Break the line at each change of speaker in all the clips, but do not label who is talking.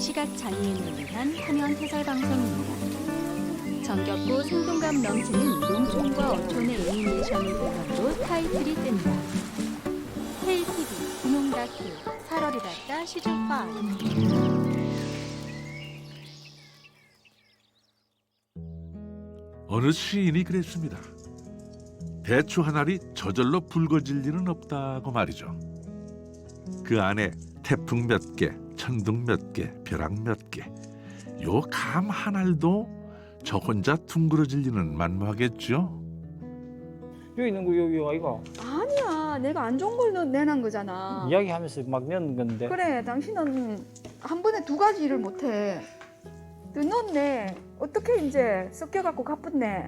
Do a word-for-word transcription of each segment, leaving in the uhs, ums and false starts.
시각장애인을 위한 화면 해설 방송입니다. 정겹고 생동감 넘치는 농촌과 어촌의 애니메이션을 배경으로 타이틀이 뜬다. 케이티비 분홍 다큐 팔월이 밝다 시즌 오.
어느 시인이 그랬습니다. 대추 한 알이 저절로 붉어질 리는 없다고 말이죠. 그 안에 태풍 몇 개, 천둥 몇 개, 벼락 몇 개, 요 감 한 알도 저 혼자 둥그러질 리는 만무하겠죠.
여기 있는 거 여기 아이가
아니야, 내가 안 좋은 걸 넣- 내놓은 거잖아.
이야기하면서 막 넣는 건데.
그래, 당신은 한 번에 두 가지 일을 못해. 넣었네. 어떻게 이제 섞여갖고 가뿐네.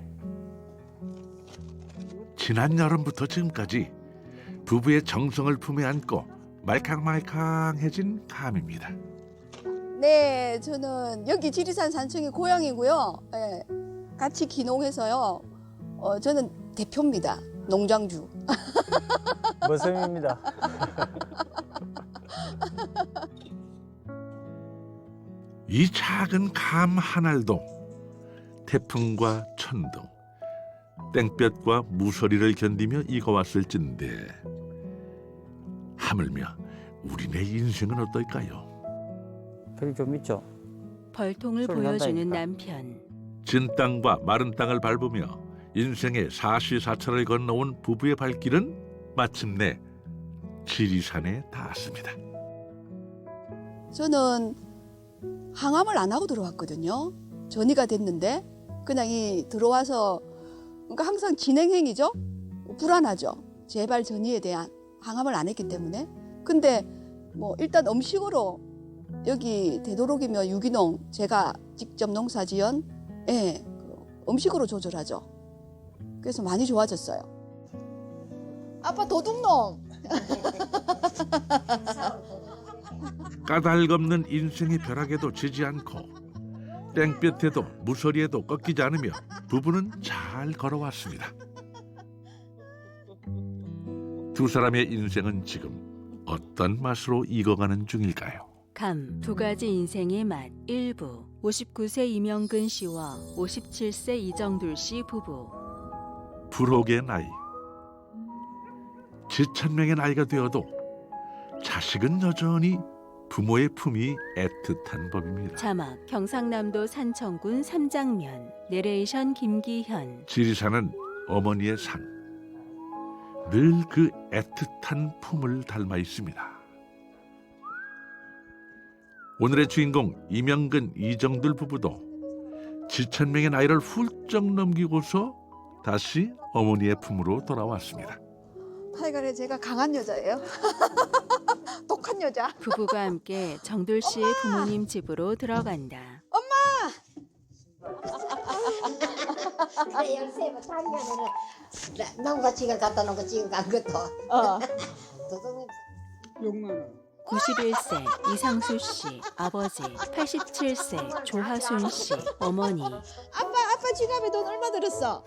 지난 여름부터 지금까지 부부의 정성을 품에 안고 말캉말캉해진 감입니다.
네, 저는 여기 지리산 산청이 고향이고요. 예, 같이 귀농해서요. 어, 저는 대표입니다. 농장주.
머슴입니다.
이 작은 감 한 알도 태풍과 천둥, 땡볕과 무서리를 견디며 익어왔을진데 하물며 우리네 인생은 어떨까요?
별이 좀 있죠.
벌통을
소리
보여주는
난다니까.
남편.
진 땅과 마른 땅을 밟으며 인생의 사시사철을 건너온 부부의 발길은 마침내 지리산에 닿았습니다.
저는 항암을 안 하고 들어왔거든요. 전이가 됐는데 그냥 이 들어와서 그러니까 항상 진행행위죠. 불안하죠. 재발 전이에 대한 항암을 안 했기 때문에. 근데 뭐 일단 음식으로 여기 되도록이면 유기농 제가 직접 농사지은 예, 그 음식으로 조절하죠. 그래서 많이 좋아졌어요. 아빠 도둑놈.
까닭없는 인생의 벼락에도 지지 않고 땡볕에도 무서리에도 꺾이지 않으며 부부는 잘 걸어왔습니다. 두 사람의 인생은 지금 어떤 맛으로 익어가는 중일까요?
감 두 가지 인생의 맛 일부. 오십구 세 이명근 씨와 오십칠 세 이정둘 씨 부부.
불혹의 나이, 지천명의 나이가 되어도 자식은 여전히 부모의 품이 애틋한 법입니다.
자막 경상남도 산청군 삼장면. 내레이션 김기현.
지리산은 어머니의 산, 늘 그 애틋한 품을 닮아 있습니다. 오늘의 주인공 이명근 이정들 부부도 지천명의 나이를 훌쩍 넘기고서 다시 어머니의 품으로 돌아왔습니다.
하여간에 제가 강한 여자예요. 독한 여자.
부부가 함께 정둘 씨의 부모님 집으로 들어간다.
그래 열세 작년에는 농가 지가 갖다 놓은 거 지금 간 것도
어.
도둑님
구십일 세 이상수 씨 아버지, 팔십칠 세 조하순 씨 어머니.
아빠 아빠 지갑에 돈 얼마 들었어?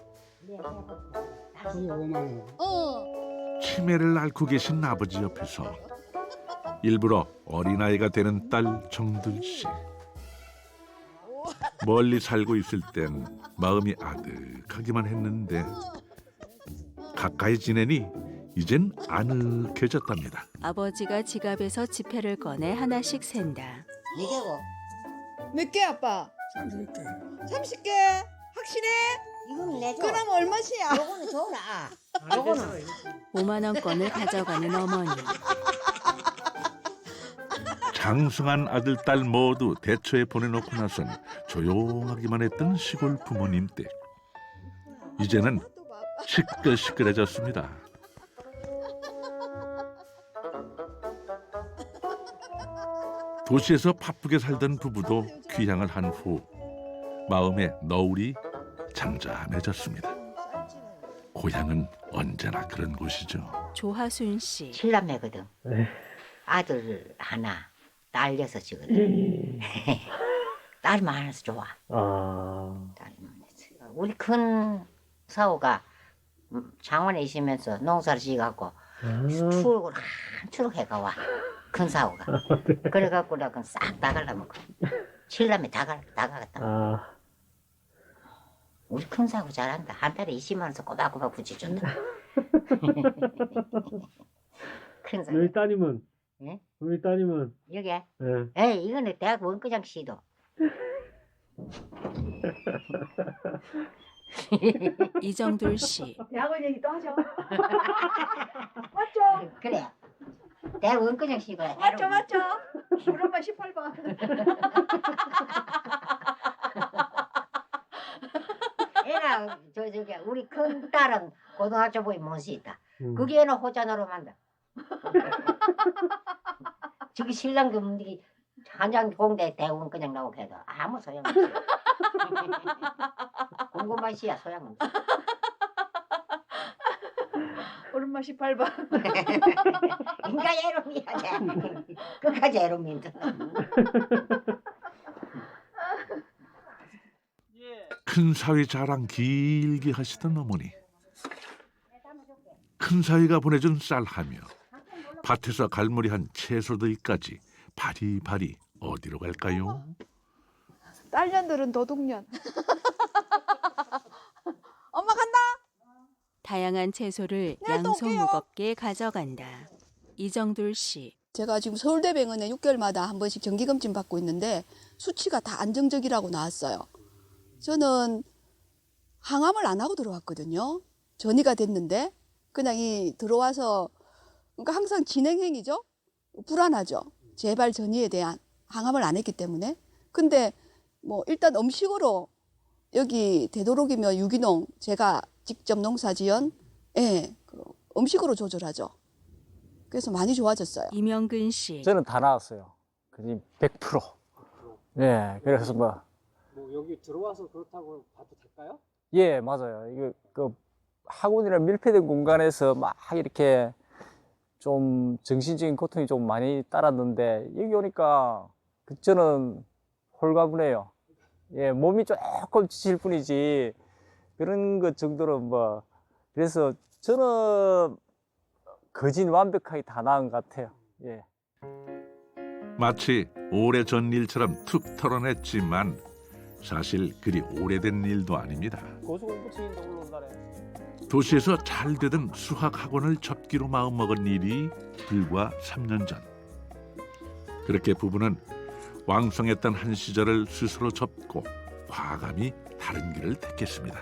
오만 원.
어.
치매를 앓고 계신 아버지 옆에서 일부러 어린아이가 되는 딸 정들 씨. 멀리 살고 있을 땐 마음이 아득하기만 했는데 가까이 지내니 이젠 아늑해졌답니다.
아버지가 지갑에서 지폐를 꺼내 하나씩 샌다.
이게고
몇 개 아빠?
삼십 개.
삼십 개? 확실해?
이거는 내줘
그럼 얼마씩이야?
요거는 줘라 요거는
오만 원권을 가져가는 어머니.
장성한 아들, 딸 모두 대처에 보내놓고 나선 조용하기만 했던 시골 부모님 댁. 이제는 시끌시끌해졌습니다. 도시에서 바쁘게 살던 부부도 귀향을 한 후 마음의 너울이 잠잠해졌습니다. 고향은 언제나 그런 곳이죠.
조하순 씨.
칠남매거든 아들 하나 딸 여섯이거든 딸이 많아서 좋아
아,
딸이 많아서 우리 큰 사오가 창원에 있으면서 농사를 지어갖고
음.
추억을 한추록 해가 와 큰 사오가. 그래갖고 내가 싹 다 갈라먹고. 칠남에 다 갈, 다 가갔다.
아,
우리 큰 사오 잘한다. 한 달에 이십만 원씩 꼬박꼬박 붙여준다. 큰 사오.
너희 따님은?
예?
너희 따님은?
여기.
예.
에이, 이거는 대학 원과장 시도.
이정돌 씨.
대학원 얘기 또 하죠. 맞죠?
그래. 대학 원과장 시도야.
맞죠, 맞죠? 우리 엄마 십팔 번.
애나 저 저기 우리 큰 딸은 고등학교 보이 못시 있다.
음.
그게 애는 호자노로 만다. 저기 신랑 금리 한장 공대 대원 그냥 나오게 해도 아무 소용없어. 공부만 시야 소용없어.
우리 엄마 십팔 번.
인가 애롬이야 돼. 끝까지 애롬인데.
큰 사위 자랑 길게 하시던 어머니. 큰 사위가 보내준 쌀하며 밭에서 갈무리한 채소들까지 바리바리 어디로 갈까요?
딸년들은 도둑년.
엄마 간다.
다양한 채소를
네, 또
양손
올게요.
무겁게 가져간다. 이정돌 씨.
제가 지금 서울대병원에 육 개월마다 한 번씩 정기검진 받고 있는데 수치가 다 안정적이라고 나왔어요. 저는 항암을 안 하고 들어왔거든요. 전이가 됐는데 그냥 이 들어와서 그러니까 항상 진행행위죠. 불안하죠. 재발 전이에 대한 항암을 안 했기 때문에. 근데 뭐 일단 음식으로 여기 되도록이면 유기농 제가 직접 농사지은 예, 그 음식으로 조절하죠. 그래서 많이 좋아졌어요.
이명근 씨.
저는 다 나왔어요. 거의 백 퍼센트. 예, 그래서 뭐.
뭐 여기 들어와서 그렇다고 봐도 될까요?
예, 맞아요. 이거 그 학원이나 밀폐된 공간에서 막 이렇게 좀 정신적인 고통이 좀 많이 따랐는데 여기 오니까 그 저는 홀가분해요. 예, 몸이 조금 지칠 뿐이지 그런 것 정도로 뭐 그래서 저는 거진 완벽하게 다 나은 것 같아요. 예.
마치 오래전 일처럼 툭 털어냈지만 사실 그리 오래된 일도 아닙니다.
고소공포증인데 올라온다네.
도시에서 잘 되던 수학 학원을 접기로 마음먹은 일이 불과 삼 년 전. 그렇게 부부는 왕성했던 한 시절을 스스로 접고 과감히 다른 길을 택했습니다.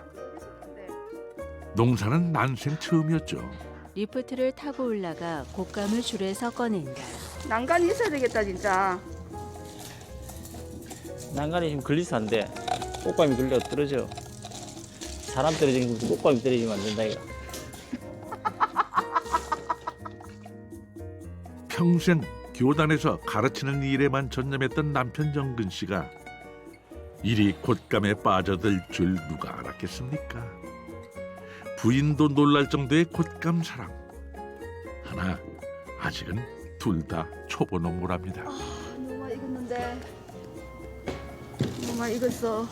농사는 난생 처음이었죠.
리프트를 타고 올라가 곶감을 줄에서 꺼낸다.
난간이 있어야 되겠다 진짜.
난간이 지금 글리스한데 꽃감이 걸려 떨어져. 사람 떨어지는 거 꽃감이 떨어지면 안 된다 이거.
평생 교단에서 가르치는 일에만 전념했던 남편 정근 씨가 일이 곶감에 빠져들 줄 누가 알았겠습니까? 부인도 놀랄 정도의 곶감 사랑. 하나 아직은 둘 다 초보 농부랍니다.
아, 너무 많이 익었는데. 너무 많이 익었어.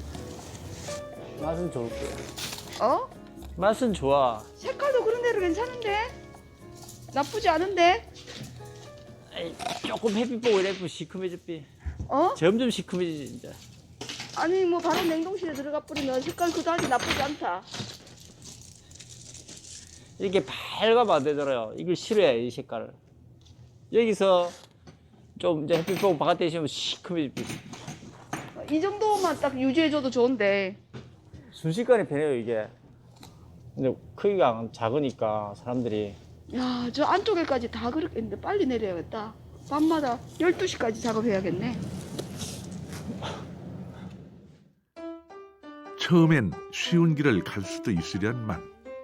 맛은 좋을 거야.
어?
맛은 좋아.
색깔도 그런 대로 괜찮은데? 나쁘지 않은데?
에이, 조금 햇빛 보고 이래도 시큼해졌지.
어?
점점 시큼해지지 진짜.
아니 뭐 바로 냉동실에 들어가 뿌리면 색깔 그다지 나쁘지 않다.
이렇게 밝으면 안 되잖아요. 이걸 싫어해 이 색깔을. 여기서 좀 이제 햇빛 보고 바깥에 있으면 시큼해지지.
이 정도만 딱 유지해줘도 좋은데.
순식간에 변해요 이게. 근데 크기가 작으니까 사람들이
야, 저 안쪽에까지 다 그렇게 했는데 빨리 내려야겠다. 밤마다 열두 시까지 작업해야겠네.
처음엔 쉬운 길을 갈 수도 있으련만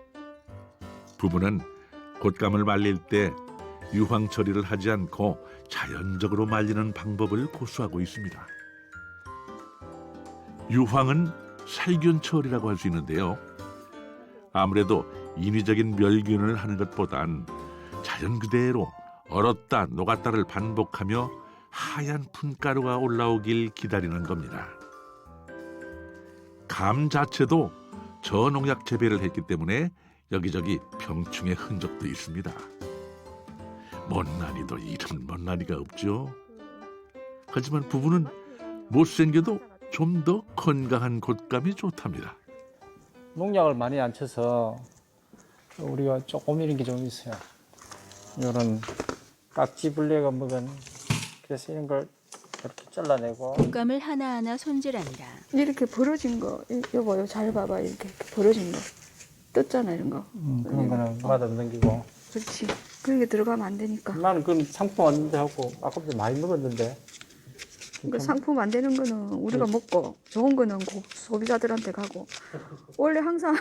부부는 곶감을 말릴 때 유황 처리를 하지 않고 자연적으로 말리는 방법을 고수하고 있습니다. 유황은 살균 처리라고 할 수 있는데요. 아무래도 인위적인 멸균을 하는 것보단 자연 그대로 얼었다 녹았다를 반복하며 하얀 푼가루가 올라오길 기다리는 겁니다. 감 자체도 저농약 재배를 했기 때문에 여기저기 병충의 흔적도 있습니다. 못난이도 이런 못난이가 없죠. 하지만 부부는 못생겨도 좀 더 건강한 곶감이 좋답니다.
농약을 많이 안 쳐서 우리가 조금 이런 게 좀 있어요. 이런 깍지벌레가 먹은, 그래서 이런 걸 이렇게 잘라내고.
곶감을 하나하나 손질한다.
이렇게 벌어진 거, 이- 여보, 이거 잘 봐봐. 이렇게, 이렇게 벌어진 거. 떴잖아, 이런 거.
음, 그런 거는 맛 없는 기고.
그렇지. 그런 게 들어가면 안 되니까.
나는 그건 상품 왔는데 하고 아까부터 많이 먹었는데.
그러니까 상품 안 되는 거는 우리가 먹고 좋은 거는 고- 소비자들한테 가고 원래 항상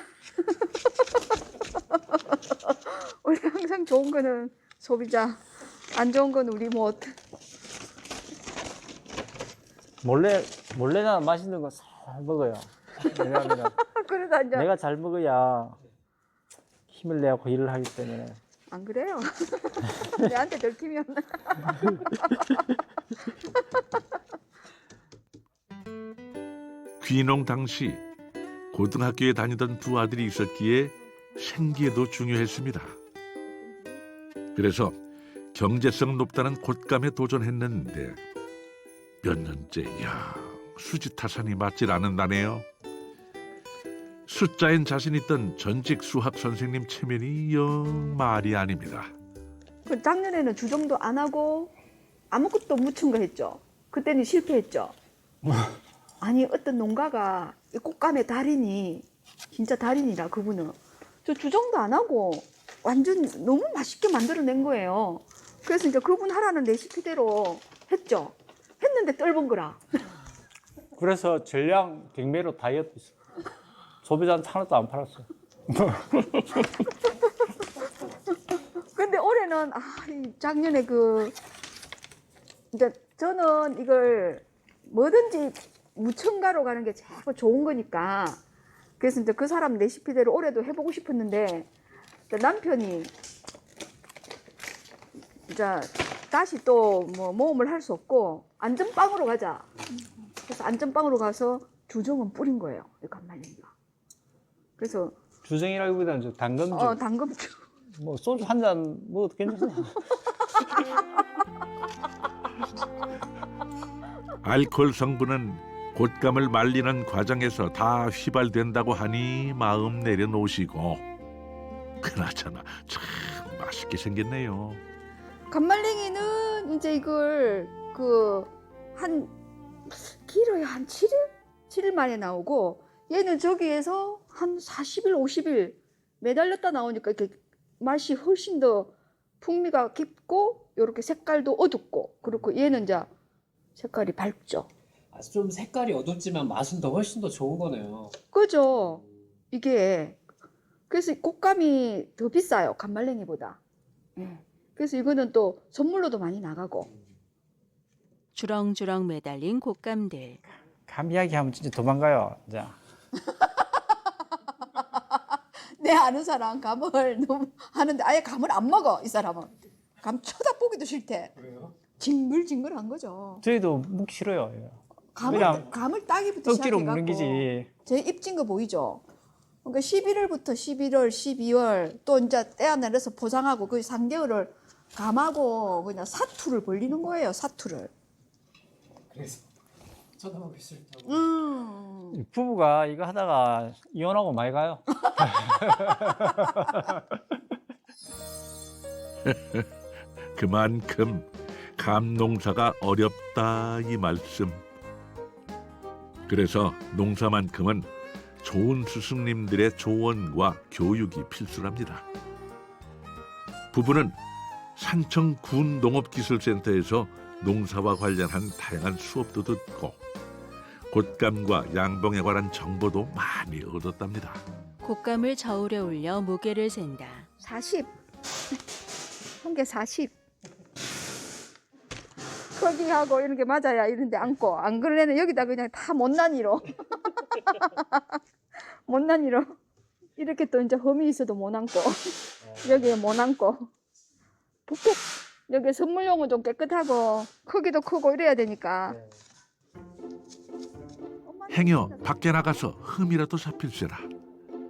원래 항상 좋은 거는 소비자, 안 좋은 건 우리 못.
몰래 몰래 나 맛있는 거 잘 먹어요. 왜냐하면
그러다 이제
내가 잘 먹어야 힘을 내고 일을 하기 때문에.
안 그래요? 내한테 들키면
귀농 당시 고등학교에 다니던 두 아들이 있었기에 생계도 중요했습니다. 그래서 경제성 높다는 곶감에 도전했는데 몇 년째 야 수지타산이 맞질 않는다네요. 숫자엔 자신 있던 전직 수학 선생님 체면이 영 말이 아닙니다.
그 작년에는 주정도 안 하고 아무것도 묻힌 거 했죠. 그때는 실패했죠. 아니 어떤 농가가 이 꽃감의 달인이 진짜 달인이라 그분은 저 주정도 안 하고 완전 너무 맛있게 만들어낸 거예요. 그래서 이제 그분 하라는 레시피대로 했죠. 했는데 떫은 거라.
그래서 전량 경매로 다이어트 했어. 소비자한테 하나도 안 팔았어.
근데 올해는 아, 이 작년에 그 이제 저는 이걸 뭐든지 무첨가로 가는 게 제일 좋은 거니까 그래서 이제 그 사람 레시피대로 올해도 해보고 싶었는데 이제 남편이 이제 다시 또 뭐 모험을 할 수 없고 안전빵으로 가자. 그래서 안전빵으로 가서 주정은 뿌린 거예요. 이 간말랭이가. 그래서
주정이라기보다는 저 당근주.
어 당근주.
뭐 소주 한 잔 먹어도 괜찮아.
알코올 성분은 곶감을 말리는 과정에서 다 휘발된다고 하니 마음 내려놓으시고 그나저나 참 맛있게 생겼네요.
간말랭이는 이제 이걸 그 한 길어야 한 칠 일? 칠 일 만에 나오고 얘는 저기에서 한 사십 일, 오십 일 매달렸다 나오니까 이렇게 맛이 훨씬 더 풍미가 깊고 이렇게 색깔도 어둡고 그렇고 얘는 이제 색깔이 밝죠.
아, 좀 색깔이 어둡지만 맛은 더 훨씬 더 좋은 거네요.
그죠? 이게 그래서 꽃감이 더 비싸요. 간말랭이보다. 예. 그래서 이거는 또 선물로도 많이 나가고.
주렁주렁 매달린 곶감들.
감 이야기하면 진짜 도망가요. 자.
내 아는 사람 감을 너무 하는데 아예 감을 안 먹어 이 사람은. 감 쳐다보기도 싫대.
그래요?
징글징글한 거죠.
저희도 먹기 싫어요. 이거.
감을,
그냥
감을 따기부터
억지로
시작해갖고
먹는 기지.
제 입진 거 보이죠? 그러니까 십일월부터 십일월, 십이월 또 이제 떼어 내려서 포장하고 그 삼 개월을 감하고 그냥 사투를 벌리는 거예요. 사투를.
그래서 쳐다보기 싫다고.
음.
부부가 이거 하다가 이혼하고 많이 가요.
그만큼 감 농사가 어렵다 이 말씀. 그래서 농사만큼은 좋은 스승님들의 조언과 교육이 필수랍니다. 부부는 산청 군 농업기술센터에서 농사와 관련한 다양한 수업도 듣고 곶감과 양봉에 관한 정보도 많이 얻었답니다.
곶감을 저울에 올려 무게를 센다.
사십. 한 개 사십. 크기하고 이런 게 맞아야 이런 데 앉고 안 그러면 여기다 그냥 다 못난이로 못난이로 이렇게 또 이제 험이 있어도 못 앉고 여기에 못 앉고 푹푹 여기 선물용은 좀 깨끗하고 크기도 크고 이래야 되니까
행여 밖에 나가서 흠이라도 잡힐세라.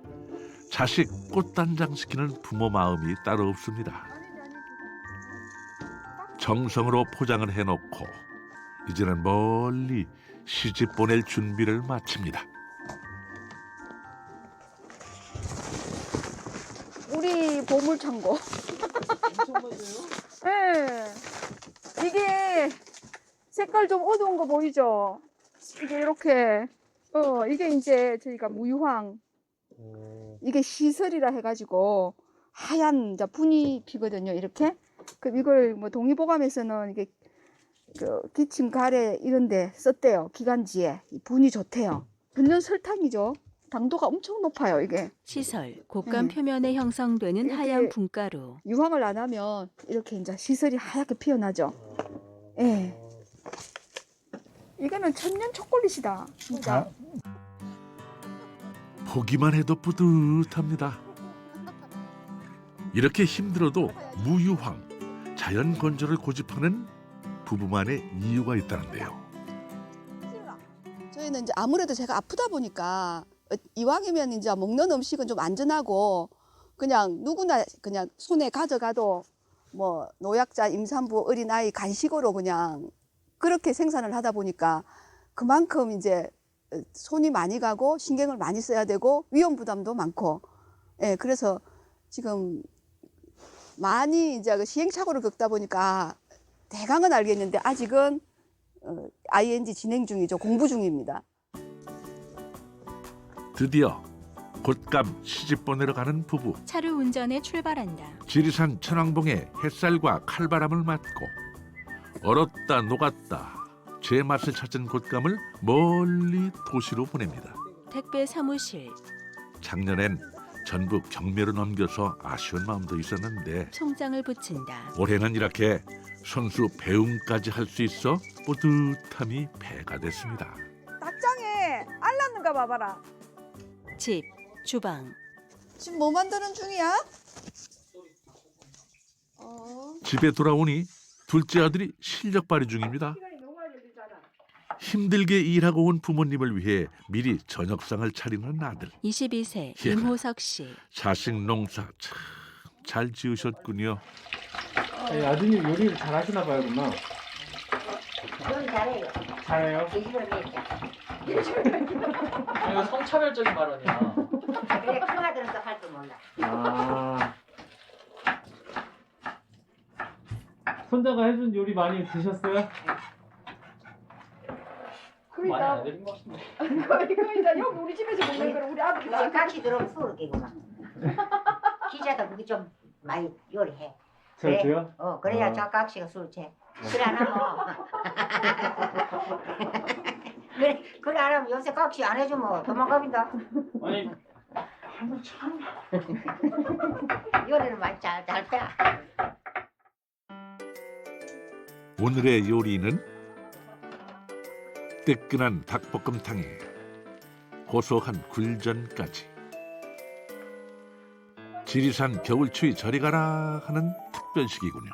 자식 꽃단장 시키는 부모 마음이 따로 없습니다. 정성으로 포장을 해놓고 이제는 멀리 시집 보낼 준비를 마칩니다.
우리 보물창고.
엄청 많아요.
네. 이게 색깔 좀 어두운 거 보이죠? 이게 이렇게 어 이게 이제 저희가 무유황 이게 시설이라 해가지고 하얀 이제 분이 피거든요. 이렇게 그럼 이걸 뭐 동의보감에서는 이게 그 기침 가래 이런데 썼대요. 기관지에 이 분이 좋대요. 분연 설탕이죠. 당도가 엄청 높아요. 이게
시설, 곶감
네.
표면에 형성되는
이렇게
하얀 분가루.
유황을 안 하면 이렇게 이제 시설이 하얗게 피어나죠. 예. 이거는 천년 초콜릿이다. 진짜.
보기만 해도 뿌듯합니다. 이렇게 힘들어도 무유황, 자연 건조를 고집하는 부부만의 이유가 있다는데요.
저희는 이제 아무래도 제가 아프다 보니까 이왕이면 이제 먹는 음식은 좀 안전하고 그냥 누구나 그냥 손에 가져가도 뭐 노약자, 임산부, 어린아이 간식으로 그냥 그렇게 생산을 하다 보니까 그만큼 이제 손이 많이 가고 신경을 많이 써야 되고 위험 부담도 많고 예, 그래서 지금 많이 이제 그 시행착오를 겪다 보니까 대강은 알겠는데 아직은 어, 아이엔지 진행 중이죠. 공부 중입니다.
드디어 곶감 시집 보내러 가는 부부.
차를 운전해 출발한다.
지리산 천왕봉의 햇살과 칼바람을 맞고 얼었다 녹았다 제 맛을 찾은 곶감을 멀리 도시로 보냅니다.
택배 사무실,
작년엔 전부 경매로 넘겨서 아쉬운 마음도 있었는데
송장을 붙인다.
올해는 이렇게 선수 배움까지 할 수 있어 뿌듯함이 배가 됐습니다.
닭장에 알 났는가 봐봐라.
집, 주방,
지금 뭐 만드는 중이야? 어.
집에 돌아오니 둘째 아들이 실력 발휘 중입니다. 힘들게 일하고 온 부모님을 위해 미리 저녁상을 차리는 아들.
이십이 세
예.
임호석 씨.
자식 농사 참 잘 지으셨군요.
아니, 아드님 요리를 잘 하시나 봐요, 누나.
요리 잘해요.
잘해요?
돼지를 먹자.
이거 성차별적인 발언이야.
그래 큰 아들은 또 할 줄 몰라.
아. 손자가 해준 요리 많이 드셨어요? 많이 안 드린 것 같은데.
이거 이거 이제 여기 우리 집에서 먹는 거를 우리 아들이
이제 같이 들어오면 수를 끼구만. 기자도 그게 좀 많이 요리해. 그래?
저도요?
어 그래야
어.
저 각시가 술 채. 그래 안 하면 그래 그래 안 하면 요새 각시 안 해주면 도망갑니다.
아니, 한번 참.
요리를 많이 잘잘 빼.
오늘의 요리는 뜨끈한 닭볶음탕에 고소한 굴전까지. 지리산 겨울추위 저리 가라 하는 특별식이군요.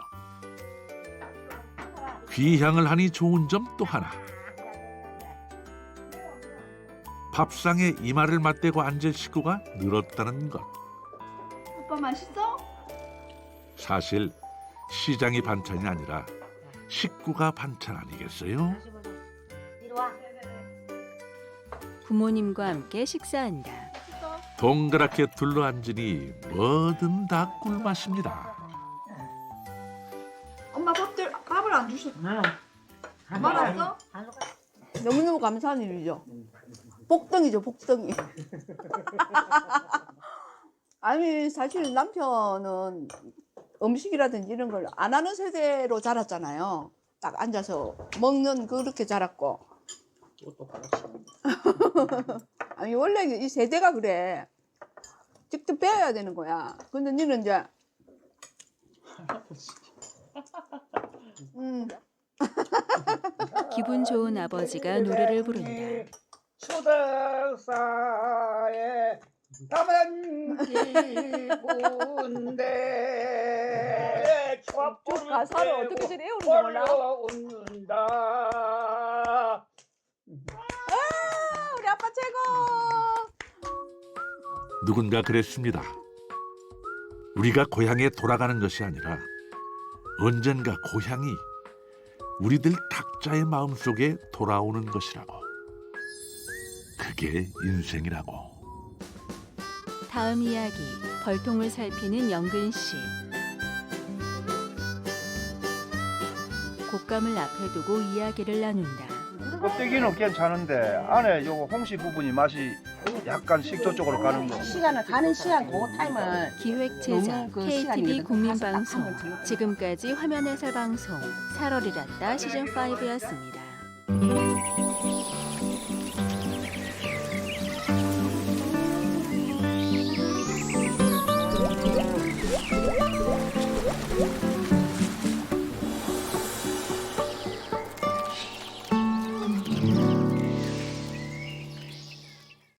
귀향을 하니 좋은 점 또 하나. 밥상에 이마를 맞대고 앉을 식구가 늘었다는 것.
오빠 맛있어?
사실 시장이 반찬이 아니라 식구가 반찬 아니겠어요?
이리 와.
부모님과 함께 식사한다.
동그랗게 둘러앉으니 뭐든 다 꿀맛입니다.
엄마 밥들 밥을 안 주셨어.
안
말았어?
안 먹어.
너무너무 감사한 일이죠. 복덩이죠, 복덩이. 아니, 사실 남편은 음식이라든지 이런 걸 안 하는 세대로 자랐잖아요. 딱 앉아서 먹는 그렇게 자랐고.
이것도 같이.
아니, 원래 이 세대가 그래. 직접 배워야 되는 거야. 근데 니는 이제, 음,
기분 좋은 아버지가 노래를 부른다.
추덕사에 담은 기분데
저 가사를 어떻게 좀 외우는 거 몰라?
올라온다.
우리 아빠 최고.
누군가 그랬습니다. 우리가 고향에 돌아가는 것이 아니라 언젠가 고향이 우리들 각자의 마음속에 돌아오는 것이라고. 그게 인생이라고.
다음 이야기 벌통을 살피는 영근 씨. 곶감을 앞에 두고 이야기를 나눈다.
껍데기는 괜찮은데 안에 요거 홍시 부분이 맛이 약간 식초 쪽으로 가는 거.
시간을 가는 시간 그 타임을
기획 제작
너무 그
케이티비
시간이
국민방송.
가서 딱 한번 들려.
지금까지 화면 해설 방송 살얼이랐다 시즌 오였습니다.